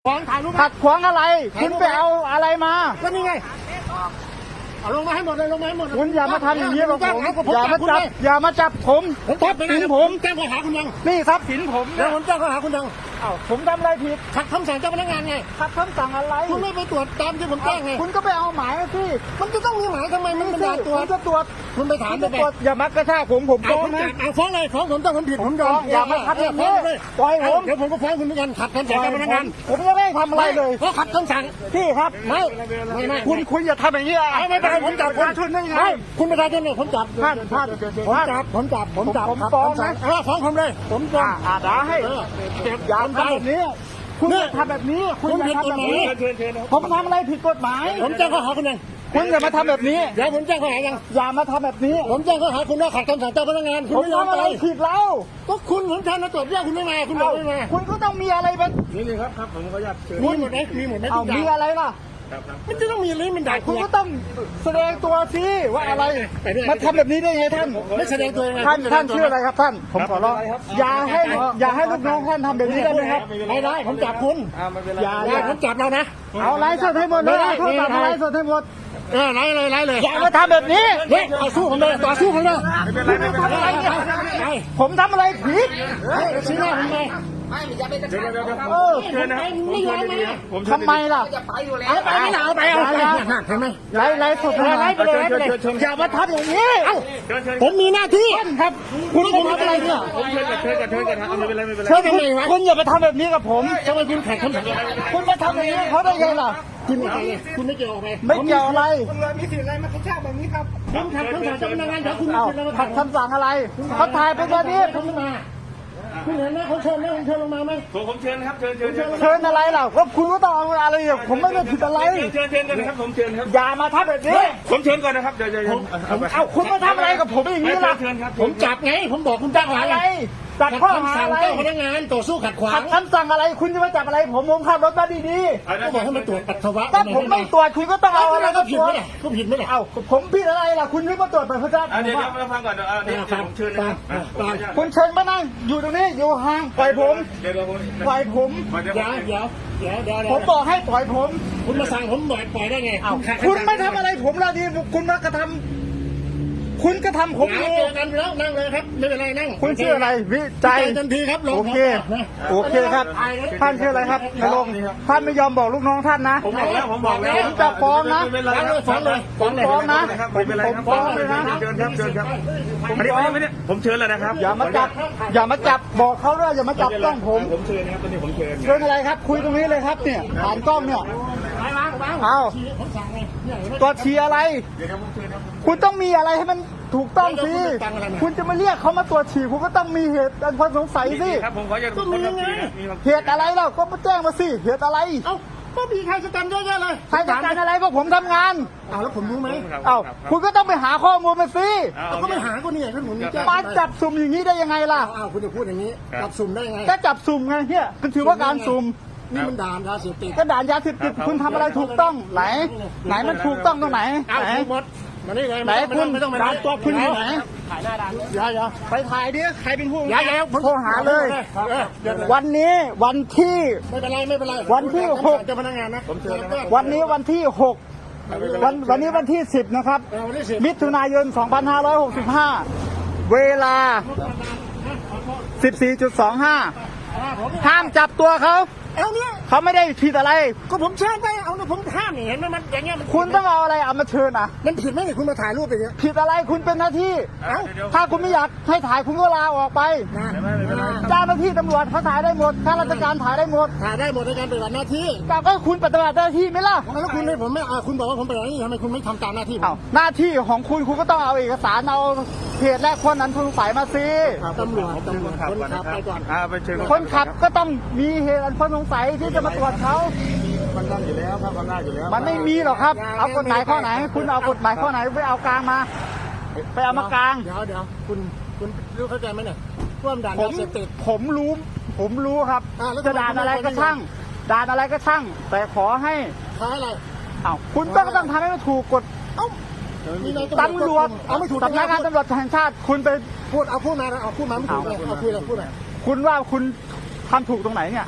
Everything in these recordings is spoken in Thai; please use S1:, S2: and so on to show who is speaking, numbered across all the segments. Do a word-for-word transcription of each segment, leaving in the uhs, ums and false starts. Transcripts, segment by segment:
S1: ขวางถ่ายรูป
S2: ขัดขวางอะไรคุณไปเอาอะไรมา
S1: ก็นี่ไงเอาลงมาให้หมดเลยลงมาให้หมด
S2: คุณอย่ามาทำอย่างนี้กับผมอย่ามาจับอย่ามาจับผม
S1: ผมทรัพย์สินผมแจ้งข้อหาคุณยัง
S2: นี่ทรัพย์สินผม
S1: แล้วผมแจ้งข้อหาคุณยัง
S2: อ้าวผมทำอะไรผิด
S1: ขัดคำสั่งเจ้าพนักงานไง
S2: ขัดคำสั่งอะไร
S1: คุณไม่ไปตรวจตามที่ผมแจ้งไง
S2: คุณก็ไปเอาหมายที่
S1: มันจะต้องมีหมายทำไมมันเป็นการตรวจ
S2: จะตรวจ
S1: คุณไปถามไป
S2: อย่ามากระชากผมผมฟ้องนะ
S1: เอาฟ้องเลยฟ้องผมถ้าผมผิดผมยอม
S2: อย่ามาขัดอย่างนี้ปล่อยผม
S1: เดี๋ยวผมก็ฟ้องคุณเหมือนกันขัดคำสั่งเจ้าพนักงาน
S2: ผมจะไม่ทำอะไรเลย
S1: เพราะขัดคำสั่ง
S2: พี่ครับ
S1: ไม่ไม่ไม่
S2: คุณคุณอย่าทำอย่างนี้อ่ะ
S1: ไม่เป็นไรผมจับคุณ
S2: ชุนได้ไง
S1: คุณประชาชนเนี่ยผมจับ
S2: ท่านท่าน
S1: ผมจับผมจับผมจับ
S2: ผมฟ้องนะ
S1: เออฟ้องผมเลยผมฟ้อง
S2: อ่าด่าให้เจ็บอย่าทำแบบนี้คุณอย่าทำแบบนี้คุณอย่าทำแบบนี้ผมทำอะไรผิดกฎหมาย
S1: ผมแจ้งข้อหาคุณยัง
S2: คุณอย่ามาทำแบบนี้
S1: เดี๋ยวผมแจ้งข้อหายัง
S2: อย่ามาทำแบบนี้
S1: ผมแจ้งข้อหาคุณว่าขัดคำสั่งเจ้าพนักงานคุณไม่ยอมไป
S2: ผิดแล้ว
S1: ก็คุณเหมือนกันนะตรวจเรียกคุณไม่มาคุณบอกไม่มา
S2: คุณก็ต้องมีอะไรเป็น
S1: นี่ครับครับผมขออนุญาตมีหมดไหมมีหมดไหม
S2: เอามีอะไรล่ะ
S1: มันจะต้องมีอะไรมันด่า
S2: คุณก็ต้องแสดงตัวสิว่าอะไรมาทำแบบนี้ได้ไงท่าน
S1: ไม่แสดงตัวยังไง
S2: ท่านท่านชื่ออะไรครับท่านผมขอร้องอย่าให้อย่าให้ลูกน้องท่านทำแบบนี้ได้ไหมครับ
S1: ไม่ได้ผมจับคุณอย่าอย่าผมจับเรานะ
S2: เอาไล่สดให้หมดเลยโทรศัพท์ไล่สดให้หมด
S1: เออไล่เลยไล่เลย
S2: อย่ามาทำแบบนี้
S1: เฮ้ยต่อสู้ผมเลยต่อสู้ผมเลย
S2: ผมทำอะไรผิด
S1: ชี้หน้าผมเลย
S3: ไม่อย่าไปกระชาก
S2: เออ
S1: เชิญนะครับไม่ยอมมา
S2: ทำไมล่ะ
S3: จะไปอยู่แล้ว
S1: เอาไปไม่เอาไปเอาไปเห็นไหม
S2: ไล่ไล่สดไล่ไปเลยไล่ไปเลยอย่ามาทำอย่างนี้เอ้า
S1: ผมมีหน้าที่
S2: ครับคุณผมทำอะไรเนี่ย
S1: ผมเชิญกับเชิญกับเชิญกับไม่เป็นไรไม่เป็นไร
S2: เชิญทำไมวะคุณอย่าไปทำแบบนี้กับผม
S1: ทำไมคุณแข่งคำสั่ง
S2: คุณมาทำอย่างนี้เขาได้ไงล่ะ
S1: คุณไม่เกี่ยวคุณไม่เกี่ยวออกไป
S2: ไม่เกี่ยวอะไร
S1: คุณเลยมีสิทธิ์อะไรมากระชากแบบนี้ครับผมขัดคำสั่งเจ้าพนักงานเดี๋ยวคุณ
S2: ขัดคำสั่งอะไรเขาถ่ายไปตอนนี้
S1: ผมมาคุณเห็นไหมเขาเชิญไหมผมเชิญลงมาไหม
S4: ผมเชิญครับเชิญเชิญ
S2: เชิญอะไรล่ะก็คุณก็ต้องเอาอะไรผมไม่ได้ผิดอะไร
S4: เชิญเชิญกันนะครับผมเชิญครับ
S2: อย่ามาทำแบบนี้
S4: ผมเชิญก่อนนะครับเดี๋ยวเดี๋ยว
S2: เอาคุณมาทำอะไรกับผมอย่างนี้ล่ะ
S1: ผมจับไงผมบอกคุณจับอะไร
S2: จับข้อหาอะไร
S1: เจ้าพนักงานต่อสู้ขัดขวาง
S2: ขัดคำสั่งอะไรคุณจะมาจับอะไรผมผมขับรถมาดี
S1: ๆก็บอกให้มาตรวจปัสสาวะ
S2: ถ้าผมไม่ตรวจคุณก็ต้องเอาอะไร
S1: ก็
S2: มา
S1: ผิดไหมล่ะก็ผิดไหมล่ะ
S2: เอ้าผมผิดอะไรล่ะคุณไม่มาตรวจปัสสาวะ
S4: เดี๋ยวเดี๋ยวฟังก่อนเดี๋ยวผมเชิญนะครับ
S2: คุณเชิญมานั่งอยู่ตรงนี้อยู่ห่างปล่อยผมปล่อยผม
S1: เดี๋ยวเดี๋ยวเดี๋ยวเดี๋ยว
S2: ผมบอกให้ปล่อยผม
S1: คุณมาสั่งผมปล่อยปล่อยได้ไง
S2: คุณไม่ทำอะไรผมละดีคุณมากระทำคุณก็ทำผม
S1: เจอกันแล้วนั่งเลยครับไม่เป็นไรนั่ง
S2: คุณชื่ออะไรวิจัย
S1: ทันทีครับ
S2: โอเคโอเคครับท่านชื่ออะไรครับนรงท่านไม่ยอมบอกลูกน้องท่านนะ
S4: ผมบอกแล้วผมบอกแล้ว
S2: ผมจะฟ้องนะ
S1: ฟ้องเลยฟ้องเลย
S2: ฟ้องนะ
S4: ผมฟ้องเลยนะเชิญครับเชิญครับอันนี้ไม่ได้ผมเชิญแล้วนะครับ
S2: อย่ามาจับอย่ามาจับบอกเขาด้วยอย่ามาจับกล้องผม
S4: ผมเชิญครับตอนนี้ผมเชิญ
S2: เชิญอะไรครับคุยตรงนี้เลยครับเนี่ยผ่านกล้องเนี่ยเอาตัวชีอะไรคุณต้องมีอะไรให้มันถูกต้องสิคุณจะมาเรียกเขามาตรวจฉี่คุณก็ต้องมีเหตุอันควรสงสัยสิ
S4: ครับผมขอจะ
S1: ก็มีไง
S2: เหตุอะไรเราก็มาแจ้งมาสิเหตุอะไร
S1: เอ้าก็มีใครจะกันเยอะแยะเลย
S2: ใครจะกันอะไรก็ผมทำงาน
S1: อ้าวแล้วผมรู้ไหม
S2: เอ้าคุณก็ต้องไปหาข้อมูลมาสิ
S1: ก็ไม่หาก็นี่ก็ผมแจ้ง
S2: มาจับสุ่มอย่างนี้ได้ยังไงล่ะ
S1: อ้าวคุณจะพูดอย่างนี้จับสุ่มได้ไง
S2: ก็จับสุ่มไงเนี่ยคือถือว่าการสุ่ม
S1: นี่มันด่านยาเสพติด
S2: ก็ด่านยาเสพติดคุณทำอะไรถูกต้องไหนไหนมันถูกต้องตรงไหน
S1: ไหนหมดมานี่ไง
S2: ไหนคุณ
S1: ไม่ต้องมา
S2: ด่านตัวคุณอยู่ไหน
S1: ถ่ายหน้าด่าน
S2: อย่าอย่าไปถ่ายดิใครเป็นผู้
S1: อย่าอย่า
S2: โทรหาเลยวันนี้วันที่
S1: ไม่เป็นไรไม่เป็นไร
S2: วันที่หก
S1: เจ้าพนักงานนะ
S2: วันนี้วันที่หกวันวันนี้วันที่สิบนะครับมิถุนายนสองพันห้าร้อยหกสิบห้าเวลา สิบสี่จุดสองห้า ห้ามจับตัวเขา
S1: เอาเนี่ย
S2: เขาไม่ได้ผิดอะไร
S1: ก็ผมเชิญไปเอาเนี่ยผมห้ามนี่เห็นไหมมันอย่างเงี้ย
S2: คุณต้องเอาอะไรเอามาเชิญอ่ะ
S1: มันผิดไหมเนี่ยคุณมาถ่ายรูปอย่างเงี้ย
S2: ผิดอะไรคุณเป็นหน้าที่ถ้าคุณไม่อยากให้ถ่ายคุณก็ลาออกไปเจ้าหน้าที่ตำรวจเขาถ่ายได้หมดข้าราชการถ่ายได้หมด
S1: ถ่ายได้หมดในการปฏิบัติหน้าที่
S2: แต่ก็คุณปฏิบัติหน้าที่ไหมล่ะ
S1: แล้วคุณให้ผมไม่คุณบอกว่าผมปฏิบัติหน้าที่ทำไมคุณไม่ทำตามหน้าที่
S2: เอาหน้าที่ของคุณคุณก็ต้องเอาเอกสารเอาเหตุและคนนั้นคุณใส่มาสิ
S1: ตำรวจตำรวจคนขับไปก่อน
S2: คนขับก็ต้องมีเหตุอันควรสงสัยที่จะมาตรวจเขา
S1: มันได้อยู่แล้วครับมันได้อยู่แล้ว
S2: มันไม่มีหรอกครับเอากฎหมายข้อไหนคุณเอากฎหมายข้อไหนไปเอากลางมาไปเอามากลาง
S1: เดี๋ยวเดี๋ยวคุณคุณรู้เข้าใจไหมเนี่ยร่วมด่านยาเสพติด
S2: ผมรู้ผมรู้ครับจะด่านอะไรก็ช่างด่านอะไรก็ช่างแต่ขอให้
S1: ท้ายอะไร
S2: อ้าวคุณต้องต้องทำให้มันถูกกฎ
S1: เอ้า
S2: ตำรวจ
S1: เอาไม่ถูก
S2: สำนักงานตำรวจแห่งชาติคุณไป
S1: พูดเอาพูดมาเอาพูดมาไม่ถูกเลยเอาคุยเลยพูดหน่อย
S2: คุณว่าคุณทำถูกตรงไหนเนี่ยอ่ะ
S1: ท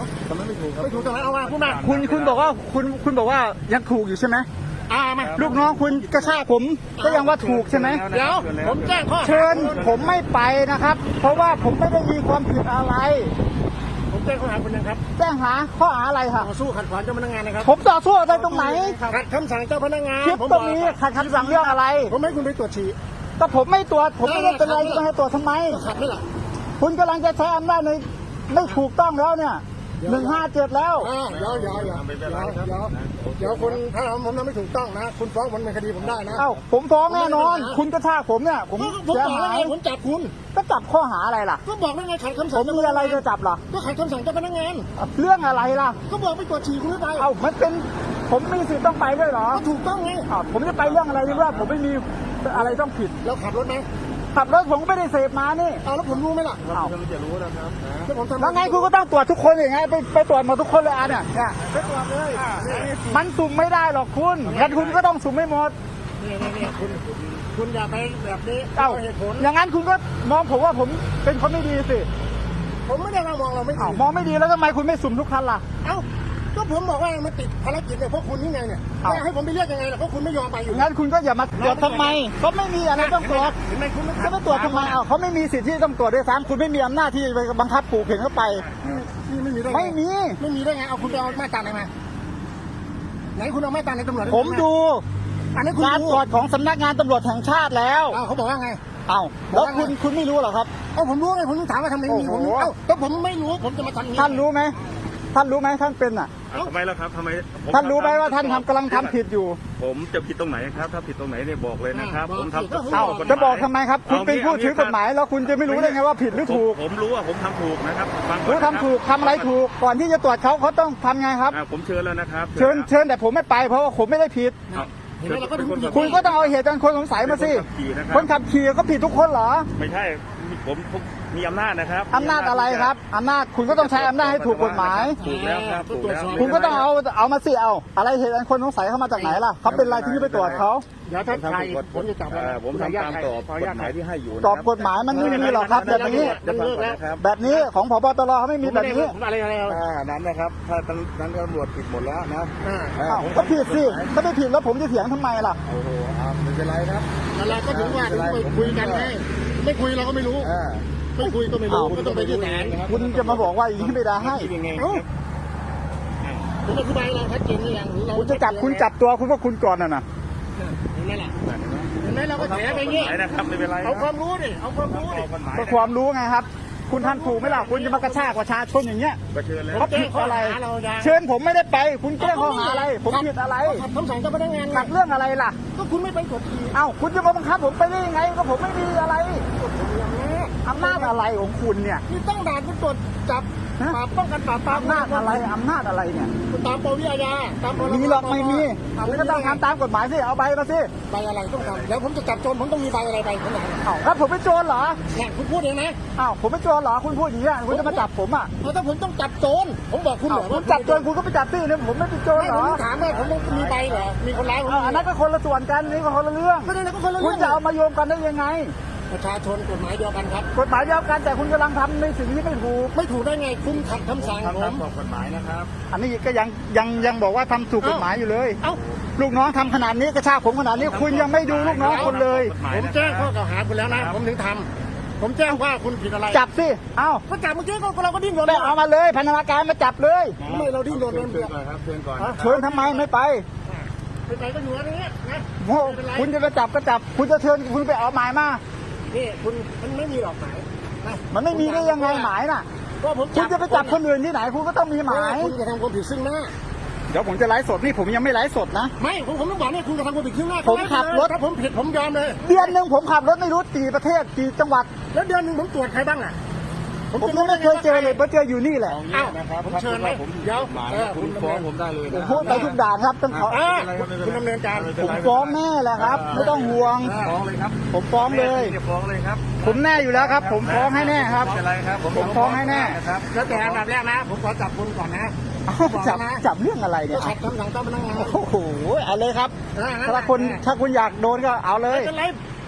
S1: ทำไมไม่ถูกครับไม่ถูกตรงไหนเอามาพูดมา
S2: คุณคุณบอกว่าคุณคุณบอกว่ายังถูกอยู่ใช่ไหม
S1: อ่ามา
S2: ลูกน้องคุณกระชากผมก็ยังว่าถูกใช่ไหม
S1: เดี๋ยวผมแจ้งข้อ
S2: เชิญผมไม่ไปนะครับ เพราะว่าผมไม่ได้มีความผิดอะไร
S1: ผมแจ้งข้อหาคุณยังครับ
S2: แจ้งหาข้อหาอะไรค่ะ
S1: ต่อสู้ขัดขวางเจ้าพนักงานนะครับ
S2: ผมต่อสู้อะไรตรงไหน
S1: ขัดคำสั่งเจ้าพนักงาน
S2: คลิป
S1: ผม
S2: ต
S1: บ
S2: ร
S1: อก
S2: งนี้ขัดคำสั่งเรื่องอะไร
S1: ผมให้คุณไปตรวจฉี่
S2: ก็ผมไม่ตรวจผมไม่ได้เป็นอะไรจะให้ตรวจทำไม
S1: ขัดไม่หรอ
S2: คุณกำลังจะใช้อำนาจในไม่ถูกต้องแล้วเนี่ยหนึ่งห้าเจ็ดแล้ว
S1: อ่าเดี๋ยวเดี๋ยวเดี๋ยวเดี๋ยวเดี๋ยวเดี๋ยวคุณถ้าผมทำไม่ถูกต้องนะคุณฟ้องผมเป็นคดีผมได้นะ
S2: เอ้าผมฟ้องแน่นอน คุณกระชากผมเนี่ยผม
S1: ก็ผม
S2: เสีย
S1: บอก
S2: หา
S1: แล้ว
S2: ย
S1: ไงผมจับคุณ
S2: ก็จับข้อหาอะไรล่ะ
S1: ก็บอกแล้วไงขัดคำ
S2: ผ
S1: สั่ง
S2: มมีอะไรจะจับเหรอ
S1: ก็ขัดคำสั่งเจ้าพนักงาน
S2: เรื่องอะไรล่ะ
S1: ก็บอกไปตรวจฉี่คุณไม่ไป
S2: เอ้ามันเป็นผมมีสิทธิ์ต้องไปด้วยเหรอ
S1: ก็ถูกต้องไง
S2: อ้าวผมจะไปเรื่องอะไรที่ว่าผมไม่มีอะไรต้องผิด
S1: แล้วขับรถไหม
S2: ขับรถผมก็ไม่ได้เสพมานี่
S1: เอาแล้วผมรู้ไหมล่ะ
S2: อ้าว
S1: จะรู้นะครับแล้วผมทำ
S2: แล้วไงคุณก็ต้องตรวจทุกคนอย่างไงไปไปตรวจหมดทุกคนเลยอ่ะเนี่ยเนี่ย
S1: ไปตรวจเลย
S2: มันสุ่มไม่ได้หรอกคุณงั้นคุณก็ต้องสุ่มไม่หมด
S1: นี่นี่นี่คุณคุณอย่าไปแบบนี้
S2: เอ้า
S1: เหตุผล
S2: อย่างนั้นคุณก็มองผมว่าผมเป็นคนไม่ดีสิ
S1: ผมไม่ได้มามองเราไม่ดี
S2: อ้าวมองไม่ดีแล้วทำไมคุณไม่สุ่มทุกคันล่ะ
S1: เอ้าก็ผมบอกว่ามันติดภารกิจเนี่ยเพราะคุณนี่ไงเนี่ย
S2: เอ้า
S1: แล้วให้ผมไปเรียกยังไงล่ะเพราะคุณไม่ยอมไปอยู่
S2: งั้นคุณก็อย่ามาตรวจทำไมเขาไม่มีอะไรต้องตรวจ
S1: เห็นไหมคุณ
S2: จะไปตรวจทำไมเอ้าเขาไม่มีสิทธิ์ที่ต้องตรวจด้วยซ้ำคุณไม่มีอำนาจที่จะไปบังคับปลูกเข็นเข้าไป
S1: นี่ไม่มีได้ง
S2: ไม่มี
S1: ไม่มีได้ไงเอาคุณไปเอามาตราไหนมาไหนคุณเอามาตราในตำรวจ
S2: ผมดู
S1: อันนี้คุณ
S2: การ
S1: ดู
S2: ตรวจของสำนักงานตำรวจแห่งชาติแล้ว
S1: เอ้าเขาบอกว่าไง
S2: เอ้าแล้วคุณคุณไม่รู้เหรอครับ
S1: เอ้าผมรู้ไงผมถามว่าทำไมมี
S2: โอ้
S1: ผม
S2: โห
S1: เอ้าก็ผมไม่รู้ผมจะมาทำอย่ง
S2: ท่านรู้ไหมท่านรู้ไหมท่านเป็นอ่ะ
S4: ทำไมล่ะครับทำไมผม
S2: ท่านรู้ไหมว่าท่านทำกำลังทำผิดอยู่
S4: ผมจะผิดตรงไหนครับ ถ้าผิดตรงไหนเนี่ยบอกเลยนะครับ ผมทำ
S2: เอ้าจะบอกทำไมครับ คุณเป็นผู้ถือกฎหมายแล้วคุณจะไม่รู้ได้ไงว่าผิดหรือถูก
S4: ผมรู้ว่าผมทำถูกนะครับฟังก่อน
S2: รู้
S4: นะครับ
S2: ทำถูกทำอะไรถูกก่อนที่จะตรวจเขาเขาต้องทำไงครับ
S4: อ่าผมเชิญแล้วนะครับ
S2: เชิญเชิญแต่ผมไม่ไปเพราะว่าผมไม่ได้ผิด
S4: เอา
S1: เห็นไหมเราก็ถึงผิด
S2: คุณก็ต้องเอาเหตุการณ์คนสงสัยมาสิ คนขับขี่ก็ผิดทุกคนเหรอ
S4: ไม่ใช่ผมผมมีอำนาจนะครับ
S2: อำนาจอะไรครับอำนาจคุณก็ต้องใช้อำนาจให้ถูกกฎหมาย
S4: ถูกแล้วครับถูกแล้ว
S2: คุณก็ต้องเอาเอามาสิเอาอะไรเหตุการณ์คนสงสัยเข้ามาจากไหนล่ะเขาเป็นอะไรที่ไปตรวจเขา
S1: เดี๋ยวถ้าใครผมจะจับ
S4: เอ่อผมทำตามกรอบกฎหมายที่ให้อยู่
S2: กรอบกฎหมายมันไม่มีหรอกครับแบบนี้
S4: จะฟังก่อนนะครับ
S2: แบบนี้ของผบตรเขาไม่มีแบบนี้
S1: ผมอะไรอะไร
S4: อ่านั้นนะครับ ถ้านั้นตำรวจผิดหมดแล้วนะ
S1: อ่า
S4: อ่า
S2: อ้าวก็ผิดสิถ้าไม่ผิดแล้วผมจะเถียงทำไมล่ะ
S4: โอ้โหอ่าไม่เป็นไรครับ
S1: อะไรก็ถึงว่าถึงไปคุยกันไงไม่คุยเราก็ไม่รู้
S4: อ่า
S1: ไม่คุยก็ไม่รู้ก็ต้องไปที่ศาล
S2: คุณจะมาบอกว่าอย่างนี้ไม่ได้ให้
S4: คิดยังไงค
S1: เอ้า
S4: รับ
S1: ผมอธิบายเราชัดเจนหรือยังเรา
S2: คุณจะจับคุณจับตัวคุณว่าคุณก่อนน่ะนะ
S1: เห็นไหมล่ะเห็นไหมเราก็แฉไปอย่างงี้
S4: ไหนนะครับไม่เป็นไร
S1: เอาความรู้ดิเอาความรู้ดิ
S4: กฎหมาย
S2: ก็ความรู้ไงครับ คุณท่านถูกไหมล่ะคุณจะมากระชากประชาชนอย่างเงี้ย
S4: ก็เชิญแล้ว
S2: เขาผิดอะไร เชิญผมไม่ได้ไป คุณแจ้งข้อหาอะไร ผมผิดอะไร
S1: ขัดคำสั่งเจ้าพนักงาน
S2: ขัดเรื่องอะไรล่ะ
S1: ก็คุณไม่ไปกดขี่
S2: เอ้าคุณจะมาบังคับผมไปได้ยังไงก็ผมไม่มีอะไรอำนาจอะไรของคุณเนี่ย
S1: นี่ตั้งด่านคุณตรวจจับ
S2: ฮะ
S1: ปราบป้องกันปราบปราม
S2: อำนาจอะไรอำนาจอะไรเนี่ย
S1: ตามปวิอาญาตามพรบ
S2: มีหรอกไม่มี
S1: อ่ะ
S2: คุณก็ต้องทำตามกฎหมายสิเอาใบมาสิ
S1: ใบอะไรต้องทำแล้วผมจะจับโจรผมต้องมีใบอะไรใบผมไหน
S2: เอ้าแล้วผมเป็นโจรเหรอ
S1: เนี่ยคุณพูดเองนะ
S2: เอ้าผมเป็นโจรเหรอคุณพูดอย่างนี้ยคุณจะมาจับผมอ่ะ
S1: เพราะถ้าผมต้องจับโจรผมบอกคุณเห
S2: เอ้าร
S1: อ
S2: คุณจับโจรคุณก็ไปจับที่นี่ผมไม่เป็นโจร
S1: ไม่
S2: เหร
S1: ผ
S2: อ
S1: มถามว่าผมต้องมีใบเหรอมีคนร้ายผม
S2: เอ้าอันนั้นก็คนละส่วนกันนี่ก็คนละเรื่อง
S1: ก็นั่นก็คนละ
S2: คุ
S1: เรื่
S2: ณ
S1: อง
S2: จะเอามาโยงกันได้ยังไง
S1: ประชาชนกฎหมายเดียวกันครับ
S2: กฎหมายเดียวกันแต่คุณกำลังทำในสิ่งที่ไม่ถูก
S1: ไม่ถูกได้ไงคุณขัดคำสั่ง
S4: ทำ
S1: ผ
S4: ตาม
S1: ม
S4: กรอบกฎหมายนะครับ
S2: อันนี้ก็ยังยังยังบอกว่าทำถูกกฎหมายอยู่เลย
S1: เอ้า
S2: ลูกน้องทำขนาดนี้กระชากผมขนาดนี้คุณยังไม่ดูลูกน้องคนเลย
S1: ผมแจ้งข้อกล่าวหาคุณแล้วนะผมถึงทำผมแจ้งว่าคุณผิดอะไร
S2: จับสิเอ้า
S1: ก็จับเมื่อกี้ก็เราก็ดิ้นรน
S2: ไปเอามาเลยพันธนาการมาจับเลย
S1: ทำไมเราดิ้นรน
S4: เชิ
S1: เดิ
S4: ญ
S1: นเบื่อ
S4: ก่อนครับเชิญก่อน
S2: เชิญทำไมไม่ไป
S1: ไปไหนก็อยู่อะไรเงี้ยนะ
S2: โอ้คุณจะไปจับก็จับ คุณจะเชิญคุณไปเอาหมายมา
S1: นี่คุณมันไม่มีหรอกหมายนะ
S2: มันไม่มีได้ยังไงหมายน่ะ
S1: ก็ผม
S2: คุณจะไปจับคนอื่นที่ไหน คุณก็ต้องมีหมาย
S1: คุณจะทำความผิดซึ่งหน้า
S2: เดี๋ยวผมจะไลฟ์สดนี่ผมยังไม่ไลฟ์สดนะ
S1: ไม่ผมผมต้องบอกเนี่ยคุณจะทำความผิดซึ่งหน้า
S2: ผมขับรถ
S1: ถ้าผมผิดผมยอมเลย
S2: เดือนหนึ่งผมขับรถไม่รู้กี่ประเทศกี่จังหวัด
S1: แล้วเดือนหนึ่งผมตรวจใครบ้างอ่ะ
S2: ผมยังไม่เคยเจอเลยเพราะเจออยู่นี่แหละ
S4: เอางี้นะครับ
S1: ผมเชิญไหม
S4: ผม
S1: เดี๋ยว
S4: หมาย
S1: เออ
S4: คุณฟ้องผมได้เลย
S2: ผ
S4: นะ
S2: มพูดไปทุกด่านครับต้องขอ
S1: อ่าคุณดำเนินการ
S2: ผมฟ้องแน่แหละครับ ไม่ต้องห่วง
S4: ฟ้องเลยครับ
S2: ผมฟ้องเลย
S4: ฟ้องเลยครับ
S2: ผมแน่อยู่แล้วครับ ผมฟ้องให้แน่ครับ
S4: ไม่เป็นไรครับ
S2: ผมฟ้องให้แน่
S4: นะครับ
S1: แล้วแต่อันดับแรกนะ ผมขอจับคุณก่อนนะ
S2: เอ้าจับจับเรื่องอะไรเนี่
S1: ก็
S2: ย
S1: ขัดคำสั่งเจ้าพนักงาน
S2: โอ้โหเอาเลยครับ
S1: อ่
S2: ถ้าคุณถ้าคุณอยากโดนก็เอาเลย
S1: ไม่เป็นไร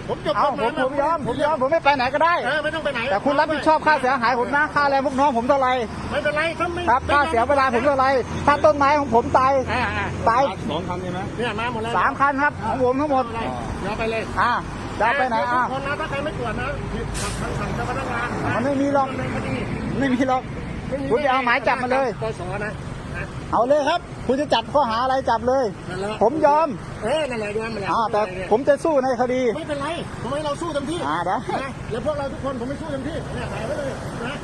S1: ผมจบ
S2: เอาผมผมยอมผมยอมผมไม่ไปไหนก็ได้
S1: เออไม่ต้องไปไหน
S2: แต่คุณรับผิดชอบค่าเสียหายผมนะค่าแรงพวกน้องผมเท่าไหร่
S1: ไม่เป็นไรถ้าไม่
S2: ครับค่าเสียเวลาผมเท่าไหร่ถ้าต้นไม้ของผมตาย
S1: อ่าอ่า
S2: ตาย
S4: สองคันใช่ไหม
S1: เนี่ยมาหมดแล้ว
S2: สามคันครับของผมทั้งหมด
S1: เดี๋ยวไปเลย
S2: อ่าจะเอาไปไหนอ่ะ
S1: คนนะถ้าใครไม่ตรวจนะผิดขัดคำสั่งเจ้าพนักงาน
S2: มันไม่มีหรอก
S1: ดำเนินคดี
S2: ไม่มีหรอก คุณจะเอาหมายจับมาเลย
S1: ปสนะนะ
S2: เอาเลยครับ คุณจะจับข้อหาอะไรจับเลย
S1: นั่นแหละ
S2: ผมยอม
S1: เออนั่นแหละยอมมาแล้ว
S2: อ่าแต่ผมจะสู้ในคดี
S1: ไม่เป็นไรผมให้เราสู้เต็มที่
S2: อ่าได้
S1: นะแล้วพวกเราทุกคนผมไม่สู้เต็มที่เนี่ยถ่ายไว้เลยนะ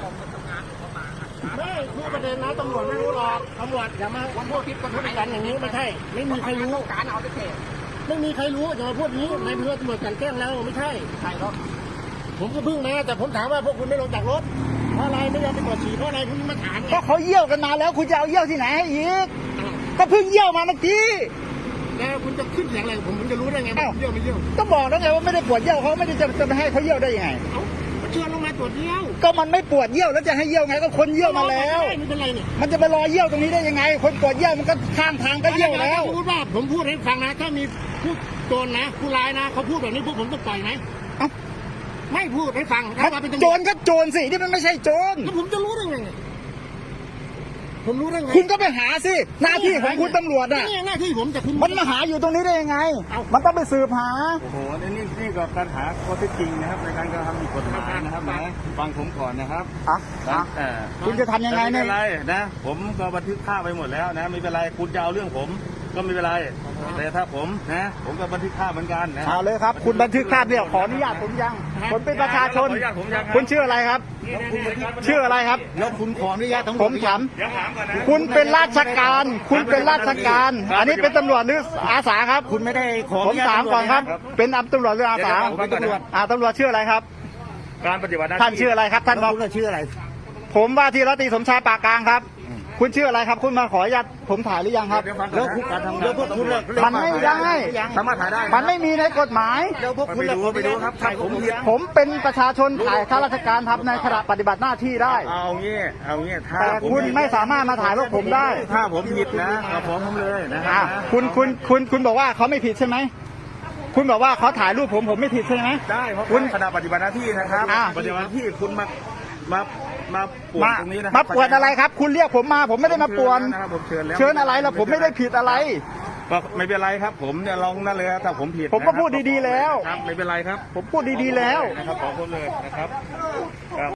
S1: ไม่คือประเด็นนะตำรวจไม่รู้หรอกตำรวจอย่ามาพูดคิดกันพูดกันอย่างนี้ไม่ใช่ ไม่มีใครรู้การเอาไปเทไม่มีใครรู้อย่ามาพูดนี้ในเพื่อตำรวจกันแกล้งแล้วไม่ใช่ใช่หรอกผมก็เพิ่งมาแต่ผมถามว่าพวกคุณไม่ลงจากรถเพราะอะไรไม่ยอมไปตรวจฉี่เพราะอะไรคุณมาถามไง
S2: ก็เขาเยี่ยวกันมาแล้วคุณจะเอาเยี่ยวที่ไหนให้อีกก็เพิ่งเยี่ยวมาเมื่อกี้
S1: แล้วคุณจะขึ้นเสียงอะไรผมผมจะรู้ได้ไงว่าเยี่ยวไม่เยี่ยว
S2: ก็บอกแล้วไงว่าไม่ได้ปวดเยี่ยวเขาไม่ได้จะจะไปให้เขาเยี่ยวได้ยังไง
S1: เอ้าเชิญลงมาตรวจเยี่ยว
S2: ก็มันไม่ปวดเยี่ยวแล้วจะให้เยี่ยวไงก็คนเยี่ยวมาแล้ว
S1: ไม่เป็นไรเนี่ย
S2: มันจะไปรอเยี่ยวตรงนี้ได้ยังไง คนปวดเยี่ยวมันก็ข้างทางก็เยี่ยวแล้ว
S1: พูดว่าผมพูดให้ฟังนะถ้ามีผู้โจรนะผู้ร้ายนะเขาพูดแบบนี้พวกผมต้องปล่อยไหม
S2: เอ้า
S1: ไม่พูดให้ฟังถ้าว่าเป็นตำรวจ
S2: โจรก็โจรสิที่มันไม่ใช่โจร
S1: แล้วผมจะรู้ได้ไงเนี่ยผมรู้ได้ไง
S2: คุณก็ไปหาสิหน้าที่ของคุณตำรวจอ่ะ
S1: นี่หน้าที่ผมแต่คุณ
S2: มันมาหาอยู่ตรงนี้ได้ยังไง
S1: เอ้า
S2: มันต้องไปสืบหา
S4: โอ้โหนี่นี่นี่ก็การหาข้อเท็จจริงนะครับในการกระทำผิดกฎหมายนะครับนะฟังผมก่อนนะครับ
S2: อ่ะอ่ะ
S4: เออ
S2: คุณจะทำยังไง
S4: ไม่
S2: เนี่
S4: เป็
S2: ย
S4: นไรนะ ผมก็บันทึกภาพไปหมดแล้วนะไม่เป็นไรคุณจะเอาเรื่องผมก็ไม่เป็นไร แต่ถ้าผมนะ ผมก็บันทึกภาพเหมือนกันนะ
S2: เอาเลยครับ คุณบันทึกภาพเนี่ยขออนุญาตผมยังผมเป็นประชาชน
S4: ขออนุญาตผมยังครับ
S2: คุณชื่ออะไรครับ ชื่ออะไรครับ
S1: แล้วคุณขออนุญาตทั้งหม
S2: ผ
S1: ด
S2: มถาม
S4: เดี๋ยวถามก่อนนะ
S2: คุณเป็นราชการ คุณเป็นราชการ อันนี้เป็นตำรวจหรืออาสาครับ
S1: คุณไม่ได้ขอ
S2: ผมถามก่อนครับ เป็นตำรวจหรืออาสา
S4: ผมเป็นตำรวจ
S2: อ่าตำรวจชื่ออะไรครับ
S4: การปฏิบัติหน้าที่
S2: ท่านชื่ออะไรครับ ท่านบอก
S1: คุณชื่ออะไร
S2: ผมว่าที่ร้อยตรีสมชายปากกลางครับ คุณชื่ออะไรครับ คุณมาขออนุญาตผมถ่ายหรือยังครับ
S4: เดี๋ยวฟังก่อนนะการทำงาน
S1: แล้วพวกคุณเลิก
S2: มันไม่ได้
S4: สามารถถ่ายได้
S2: มันไม่มีในกฎหมาย
S1: แล้วพวกคุณ
S4: ไปดูไปดูครับถ้าผมผิด
S2: ผมเป็นประชาชนถ่ายข้าราชการทำในขณะปฏิบัติหน้าที่ได้
S4: เอางี้เอางี้ถ้า
S2: แต่
S4: ผม
S2: คุณไม่สามารถมาถ่ายพวกผมได้
S4: ถ้าผมผิดนะเอาฟ้องผมเลยนะค
S2: อ่ะ
S4: รับ
S2: คุณคุณคุณคุณบอกว่าเขาไม่ผิดใช่ไหม คุณบอกว่าเขาถ่ายรูปผมผมไม่ผิดใช่ไหม
S4: ได้เพราะ
S2: คุณ
S4: ขณะปฏิบัติหน้าที่นะครับ
S2: อ่ะ
S4: ปฏิบัติหน้าที่คุณมามามาป่วน
S2: มา
S4: ตรงนี้นะค
S2: มา
S4: รับ
S2: ปวดอะไรครับ คุณเรียกผมมา ผมไม่ได้มาปวน
S4: นะครับผมเชิญแล้ว
S2: เชิญอะไรล่ะผมไม่ได้ผิดอะไร
S4: ก็ไม่เป็นไรครับ ผมเนี่ยลองนั่นเลยครับถ้าผมผิด
S2: ผมก็
S4: นะครับ
S2: พูดดีๆแล้ว
S4: ครับไม่เป็นไรครับ
S2: ผมพูดดีๆแล้ว
S4: นะครับขอโทษเลยนะครับครับ